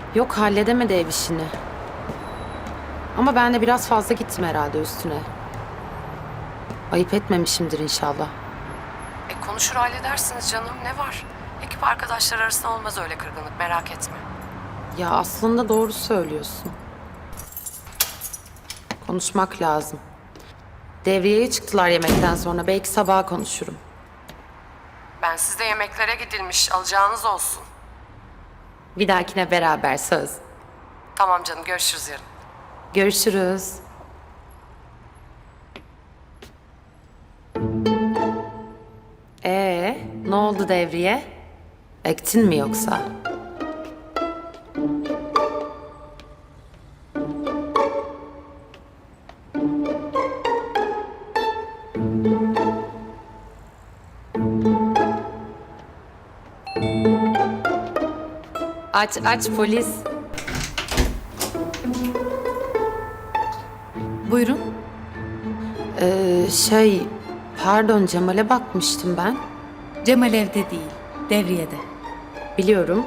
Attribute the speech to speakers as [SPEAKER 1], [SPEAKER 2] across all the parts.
[SPEAKER 1] Yok, halledemedi ev işini. Ama ben de biraz fazla gittim herhalde üstüne. Ayıp etmemişimdir inşallah.
[SPEAKER 2] Konuşur halledersiniz canım, ne var? Ekip arkadaşlar arasında olmaz öyle kırgınlık, merak etme.
[SPEAKER 1] Ya aslında doğru söylüyorsun. Konuşmak lazım. Devriyeye çıktılar yemekten sonra. Belki sabaha konuşurum.
[SPEAKER 2] Ben sizde yemeklere gidilmiş, alacağınız olsun.
[SPEAKER 1] Bir dahakine beraber söz.
[SPEAKER 2] Tamam canım, görüşürüz yarın.
[SPEAKER 1] Görüşürüz. Ne oldu Devriye? Ektin mi yoksa? Aç aç polis.
[SPEAKER 3] Buyurun.
[SPEAKER 1] Pardon, Cemal'e bakmıştım ben.
[SPEAKER 3] Cemal evde değil, devriyede.
[SPEAKER 1] Biliyorum.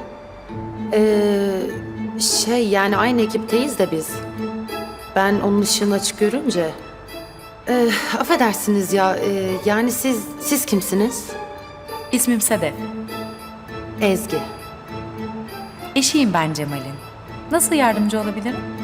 [SPEAKER 1] Yani aynı ekipteyiz de biz. Ben onun ışığını açık görünce... affedersiniz ya, yani siz kimsiniz?
[SPEAKER 3] İsmim Sedef.
[SPEAKER 1] Ezgi.
[SPEAKER 3] Eşiyim ben Cemal'in. Nasıl yardımcı olabilirim?